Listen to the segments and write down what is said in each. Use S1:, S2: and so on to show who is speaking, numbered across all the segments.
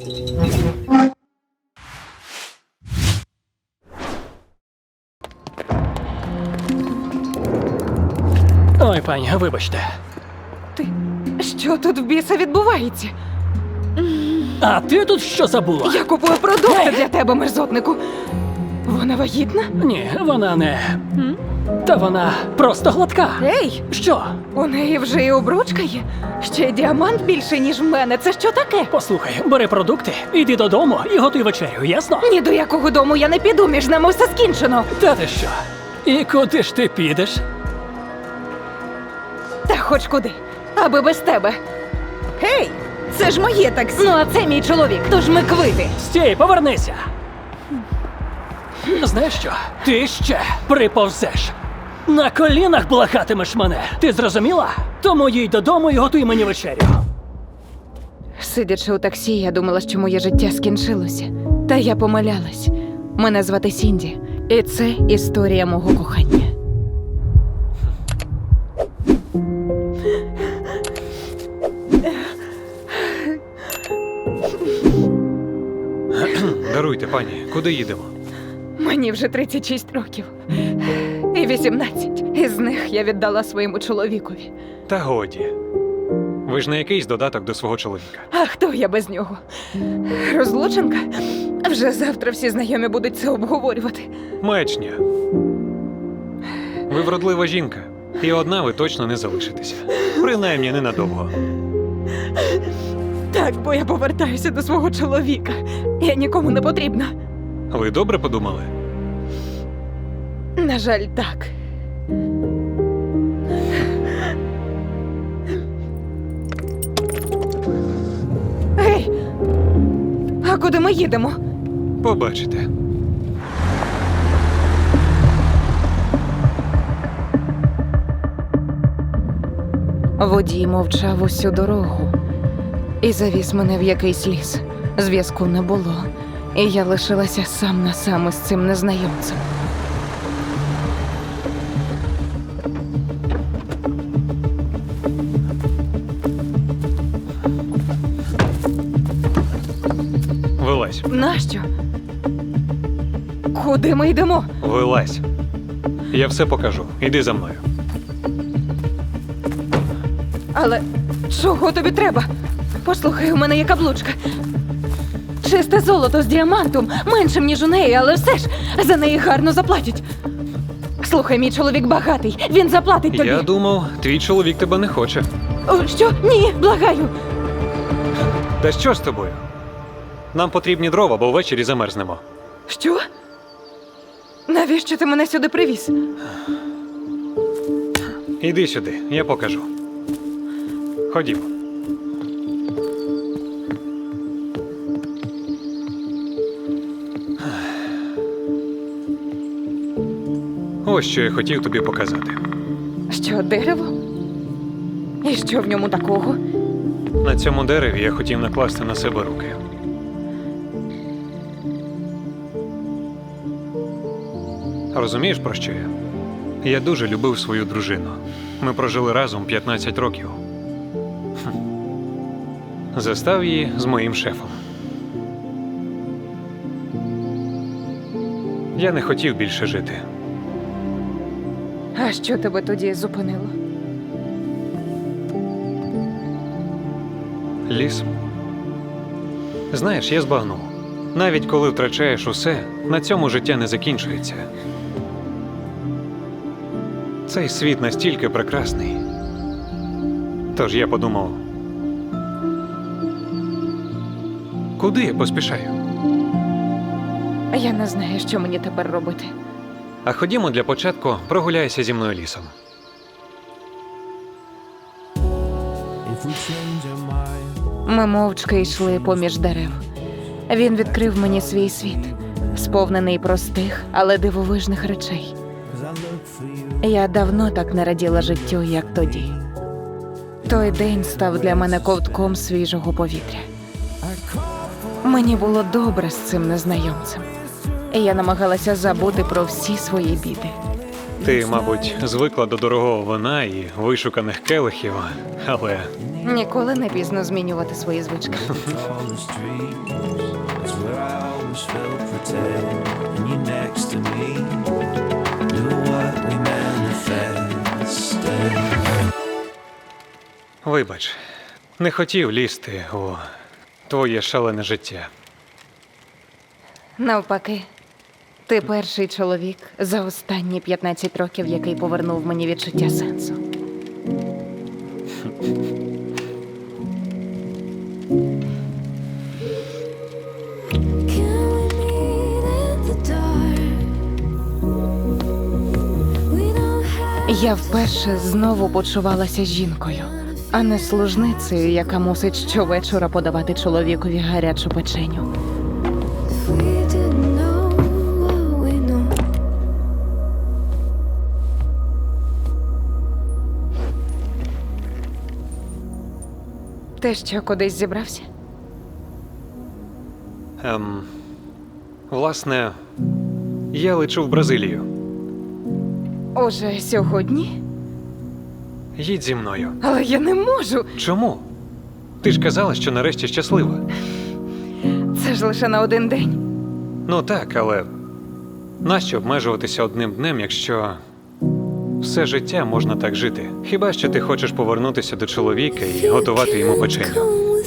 S1: Ой, пані, вибачте.
S2: Ти... Що тут в біса відбувається?
S1: А ти тут що забула?
S2: Я купую продукти для тебе, мерзотнику. Вона вагітна?
S1: Ні, вона не... Та вона просто гладка.
S2: Ей,
S1: Що?
S2: у неї вже і обручка є. Ще й діамант більший, ніж в мене. Це що таке?
S1: Послухай, бери продукти, іди додому і готуй вечерю, ясно?
S2: Ні до якого дому я не піду, між нами все скінчено.
S1: Та ти що? І куди ж ти підеш?
S2: Та хоч куди, аби без тебе. Гей, це ж моє таксі. Ну, а це мій чоловік, тож ми квити.
S1: Стій, повернися! Знаєш що? Ти ще приповзеш. На колінах благатимеш мене. Ти зрозуміла? Тому їдь додому і готуй мені вечерю.
S2: Сидячи у таксі, я думала, що моє життя скінчилося. Та я помилялась. Мене звати Сінді, і це історія мого кохання.
S3: Даруйте, пані, куди їдемо?
S2: Мені вже 36 років. І 18. Із них я віддала своєму чоловікові.
S3: Та годі. Ви ж не якийсь додаток до свого чоловіка.
S2: А хто я без нього? Розлученка? Вже завтра всі знайомі будуть це обговорювати.
S3: Маячня. Ви вродлива жінка, і одна ви точно не залишитеся. Принаймні ненадовго.
S2: Так, бо я повертаюся до свого чоловіка. Я нікому не потрібна.
S3: Ви добре подумали?
S2: На жаль, так. Гей! А куди ми їдемо?
S3: Побачите.
S2: Водій мовчав усю дорогу і завіз мене в якийсь ліс. Зв'язку не було, і я лишилася сам на сам із цим незнайомцем.
S3: Вилазь.
S2: Нащо? Куди ми йдемо?
S3: Вилазь. Я все покажу. Іди за мною.
S2: Але чого тобі треба? Послухай, у мене є каблучка. Чисте золото з діамантом, меншим, ніж у неї, але все ж за неї гарно заплатять. Слухай, мій чоловік багатий, він заплатить тобі.
S3: Я думав, твій чоловік тебе не хоче.
S2: О, що? Ні, благаю.
S3: Та що з тобою? Нам потрібні дрова, бо ввечері замерзнемо.
S2: Що? Навіщо ти мене сюди привіз?
S3: Іди сюди, я покажу. Ходімо. Ось що я хотів тобі показати.
S2: Що, дерево? І що в ньому такого?
S3: На цьому дереві я хотів накласти на себе руки. Розумієш, про що я? Я дуже любив свою дружину. Ми прожили разом 15 років. Застав її з моїм шефом. Я не хотів більше жити.
S2: А що тебе тоді зупинило?
S3: Ліс. Знаєш, я збагнув. Навіть коли втрачаєш усе, на цьому життя не закінчується. Цей світ настільки прекрасний. Тож я подумав, куди я поспішаю?
S2: Я не знаю, що мені тепер робити.
S3: А ходімо для початку прогуляйся зі мною лісом.
S2: Ми мовчки йшли поміж дерев. Він відкрив мені свій світ, сповнений простих, але дивовижних речей. Я давно так не раділа життю, як тоді. Той день став для мене ковтком свіжого повітря. Мені було добре з цим незнайомцем. І я намагалася забути про всі свої біди.
S3: Ти, мабуть, звикла до дорогого вина і вишуканих келихів, але
S2: Ніколи не пізно змінювати свої звички.
S4: all the streets. It's where I always felt protected. And you're next to me. Do what we manifested.
S3: вибач, не хотів лізти у твоє шалене життя.
S2: Навпаки, ти перший чоловік за останні 15 років, який повернув мені відчуття сенсу. Я вперше знову почувалася жінкою, а не служницею, яка мусить щовечора подавати чоловікові гарячу печеню. Ти що, кудись зібрався?
S3: Власне, я лечу в Бразилію.
S2: Уже сьогодні?
S3: Їдь зі мною.
S2: Але я не можу.
S3: Чому? Ти ж казала, що нарешті щаслива.
S2: Це ж лише на один день.
S3: Ну так, але нащо обмежуватися одним днем, якщо все життя можна так жити? Хіба що ти хочеш повернутися до чоловіка і готувати йому печеню?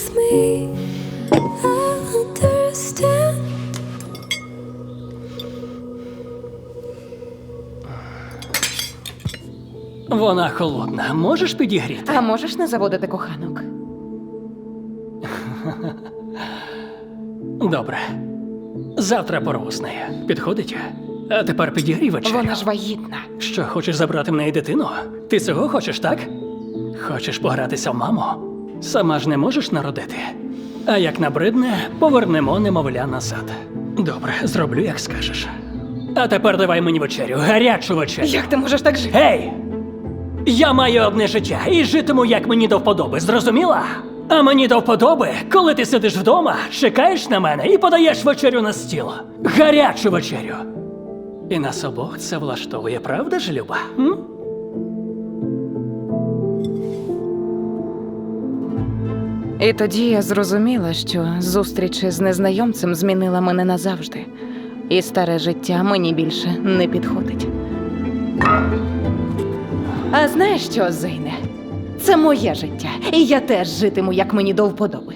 S1: Вона холодна. Можеш підігріти?
S2: А можеш не заводити коханок?
S1: Добре. Завтра порву з нею. Підходить? А тепер підігрій вечерю.
S2: Вона ж вагітна.
S1: Що, хочеш забрати в неї дитину? Ти цього хочеш, так? Хочеш погратися в маму? Сама ж не можеш народити. А як набридне, повернемо немовля назад. Добре, зроблю, як скажеш. А тепер давай мені вечерю, гарячу вечерю.
S2: Як ти можеш так жити?
S1: Гей! Я маю одне життя і житиму, як мені до вподоби, зрозуміла? А мені до вподоби, коли ти сидиш вдома, чекаєш на мене і подаєш вечерю на стіл. Гарячу вечерю. І нас обох це влаштовує, правда ж, Люба? М?
S2: І тоді я зрозуміла, що зустріч з незнайомцем змінила мене назавжди. І старе життя мені більше не підходить. А знаєш що, Зейне? Це моє життя, і я теж житиму, як мені до вподоби.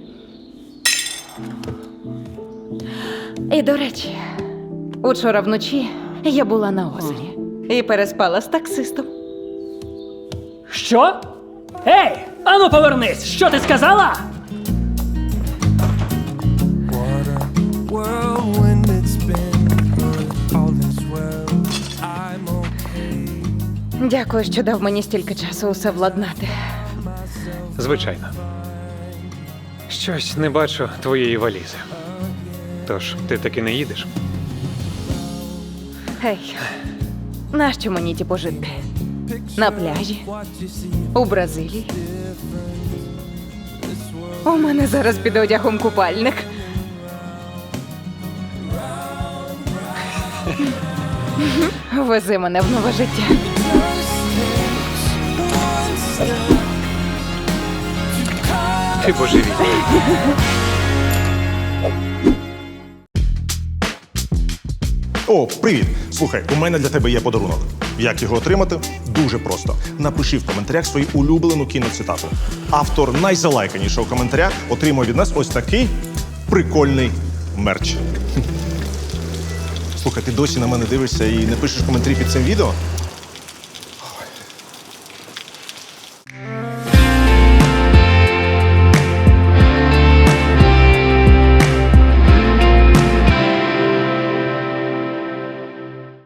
S2: І, до речі, учора вночі я була на озері і переспала з таксистом.
S1: Що? Ей! Ану повернись! Що ти сказала?
S4: Whirlwind it's been, but all is well. I'm okay.
S2: Дякую, що дав мені стільки часу усе владнати.
S3: Звичайно. Щось не бачу твоєї валізи. Тож, ти таки не їдеш?
S2: Гей, нащо мені ті пожитки? На пляжі? У Бразилії? У мене зараз під одягом купальник. Вези мене в нове життя.
S3: Ти божевільний.
S5: О, привіт! Слухай, у мене для тебе є подарунок. Як його отримати? Дуже просто. Напиши в коментарях свою улюблену кіноцитату. Автор найзалайканішого коментаря отримує від нас ось такий прикольний мерч. Слухай, ти досі на мене дивишся і не пишеш коментарі під цим відео?